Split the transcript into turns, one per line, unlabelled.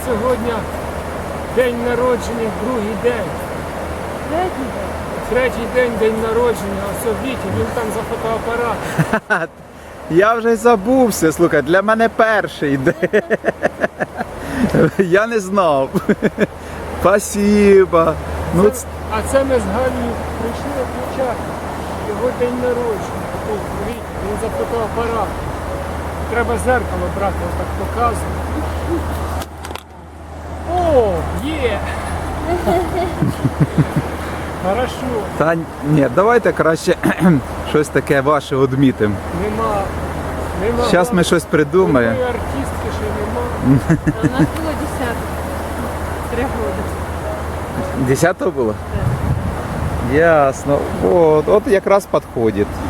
сьогодні день народження, другий день. Третій день народження, ось Віті, він там за фотоапарат.
Я вже й забувся, слухай, для мене перший день. Я не знав. Спасибо. Ну,
А це ми з Галею прийшли відмічати його день народження. Тут, Віті, він за фотоапарат. Треба зеркало брати, отак показувати. О, є! Хорошо.
та ні, давайте краще щось таке ваше відмітимо.
Нема.
Зараз ми щось придумаємо.
Такої артистки ще нема.
У нас было 10. 3 года.
10-го було? Ясно. От якраз підходить.